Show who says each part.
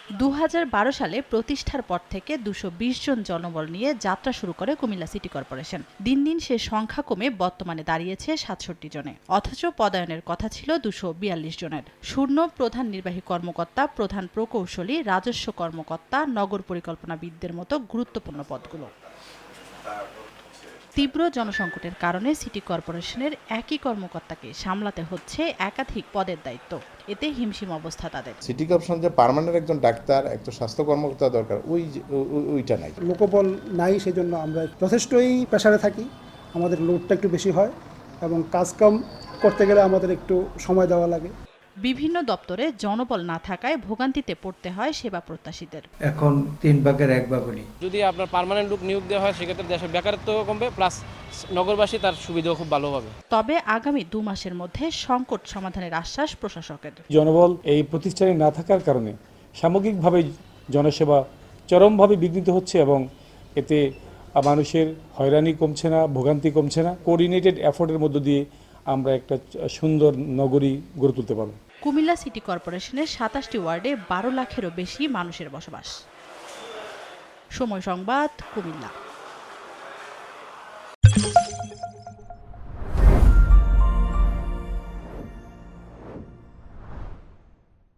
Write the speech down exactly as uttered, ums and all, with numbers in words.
Speaker 1: দু হাজার বারো সালে প্রতিষ্ঠার পর থেকে দুশো বিশ জন জনবল নিয়ে যাত্রা শুরু করে কুমিল্লা সিটি কর্পোরেশন। দিন দিন সে সংখ্যা কমে বর্তমানে দাঁড়িয়েছে সাতষট্টি জনে, অথচ পদায়নের কথা ছিল দুশো বিয়াল্লিশ জনের। শূন্য প্রধান নির্বাহী কর্মকর্তা, প্রধান প্রকৌশলী, রাজস্ব কর্মকর্তা, নগর পরিকল্পনাবিদদের মতো গুরুত্বপূর্ণ পদগুলো। তীব্র জনসংকটের কারণে সিটি কর্পোরেশনের একই কর্মকর্তাকে সামলাতে হচ্ছে একাধিক পদের দায়িত্ব। এতে হিমশিম অবস্থা তাদের।
Speaker 2: সিটি কর্পোরেশন যে পার্মানেন্ট একজন ডাক্তার, একজন স্বাস্থ্য কর্মকর্তা দরকার, ওই ওইটা নাই।
Speaker 3: লোকবল নাই, সেজন্য আমরা যথেষ্টই প্রেসারে থাকি। আমাদের লোডটা একটু বেশি হয় এবং কাজকাম করতে গেলে আমাদের একটু সময় দেওয়া লাগে।
Speaker 1: বিভিন্ন দপ্তরে জনবল না থাকায় ভোগান্তিতে পড়তে হয় সেবা প্রত্যাশীদের।
Speaker 4: এখন তিন ভাগের এক ভাগ হলি।
Speaker 5: যদি আপনার পার্মানেন্ট লোক নিয়োগ দেওয়া হয় সেক্ষেত্রে দেশের বেকারত্ব কমবে, প্লাস নগরবাসী তার সুবিধাও খুব ভালো হবে।
Speaker 1: তবে আগামী দু মাসের মধ্যে সংকট সমাধানের আশ্বাস প্রশাসকের।
Speaker 6: জনবল এই প্রতিষ্ঠানে না থাকার কারণে সামগ্রিকভাবে জনসেবা চরমভাবে বিঘ্নিত হচ্ছে এবং এতে মানুষের হয়রানি কমছে না, ভোগান্তি কমছে না। কোঅর্ডিনেটেড এফোর্টের মধ্য দিয়ে আমরা একটা সুন্দর নগরী গড়ে তুলতে পারব।
Speaker 1: কুমিল্লা সিটি কর্পোরেশনের সাতাশটি ওয়ার্ডে বারো লাখেরও বেশি মানুষের বসবাস। সময় সংবাদ, কুমিল্লা।